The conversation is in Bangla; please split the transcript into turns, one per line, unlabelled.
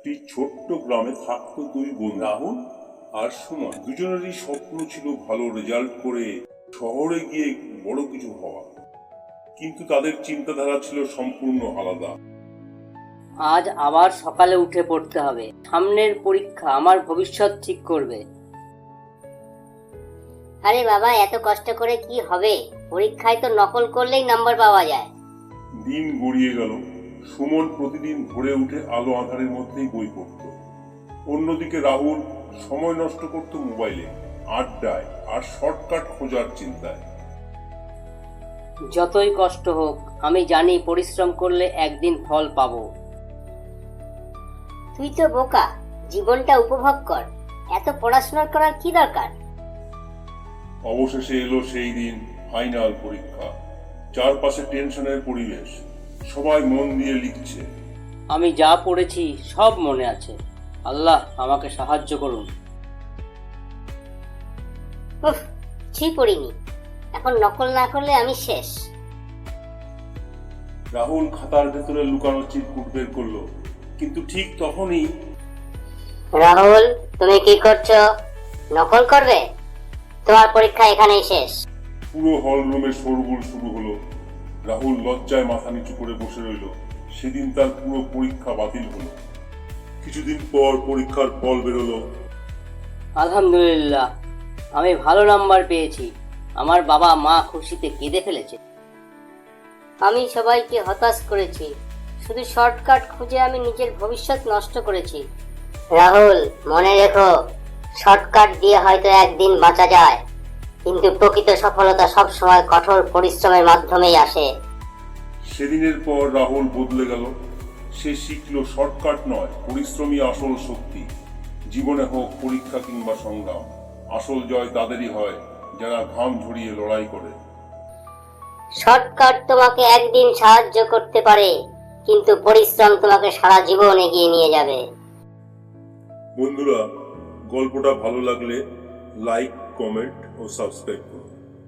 একটি ছোট্ট গ্রামে থাকতো দুই বন্ধু, রাহুল আর সুমন। দুজনেরই স্বপ্ন ছিল ভালো রেজাল্ট করে শহরে গিয়ে বড় কিছু হওয়া, কিন্তু তাদের চিন্তাধারা ছিল সম্পূর্ণ আলাদা।
আজ আবার সকালে উঠে পড়তে হবে, সামনের পরীক্ষা আমার ভবিষ্যৎ ঠিক করবে।
আরে বাবা, এত কষ্ট করে কি হবে? পরীক্ষায় তো নকল করলেই নাম্বার পাওয়া যায়।
দিন গড়িয়ে গেল। সুমন প্রতিদিন ভোরে উঠে আলো আঁধারের মধ্যেই বই পড়ত। অন্যদিকে রাহুল সময় নষ্ট করত মোবাইলে, আড্ডায় আর শর্টকাট খোঁজার চিন্তায়।
যতই কষ্ট হোক, আমি জানি পরিশ্রম করলে একদিন ফল পাবো।
তুই তো বোকা, জীবনটা উপভোগ কর, এত পড়াশোনা করার কি দরকার?
অবশেষে এলো সেই দিন, ফাইনাল পরীক্ষা। চারপাশে টেনশনের পরিবেশ, সবাই মন দিয়ে লিখছে।
আমি যা পড়েছি সব মনে আছে, আল্লাহ আমাকে সাহায্য করুন।
উফ, কিছুই পড়িনি, এখন নকল না করলে আমি শেষ।
রাহুল খাতার ভেতরে লুকানো চিরকুট বের করলো, কিন্তু ঠিক তখনই
রাহুল, তুমি কি করছো? নকল করবে? তোমার পরীক্ষা এখানেই শেষ।
পুরো হল রুমে শোরগোল শুরু হলো। রাহুল লজ্জায় মাথা নিচু করে বসে রইল। সেদিন তার পুরো পরীক্ষা বাতিল হলো। কিছুদিন পর পরীক্ষার ফল বেরোলো।
আলহামদুলিল্লাহ, আমি ভালো নাম্বার পেয়েছি। আমার বাবা মা খুশিতে কেঁদে ফেলেছে। আমি সবাইকে হতাশ করেছি, শুধু শর্টকাট খুঁজে আমি নিজের ভবিষ্যৎ নষ্ট করেছি।
রাহুল, মনে রেখো, শর্টকাট দিয়ে হয়তো একদিন বাঁচা যায়, কিন্তু প্রকৃত সফলতা সবসময় কঠোর পরিশ্রমের মাধ্যমেই আসে।
সেদিনের পর রাহুল বদলে গেল। সে শিখলো শর্টকাট নয়, পরিশ্রমী আসল শক্তি। জীবনে হোক পরীক্ষা কিংবা সংগ্রাম, আসল জয় তাদেরই হয় যারা ঘাম ঝরিয়ে লড়াই করে।
শর্টকাট তোমাকে একদিন সাহায্য করতে পারে, কিন্তু পরিশ্রম তোমাকে সারা জীবন এগিয়ে নিয়ে যাবে।
বন্ধুরা, গল্পটা ভালো লাগলে লাইক, কমেন্ট ও সাবস্ক্রাইব করুন।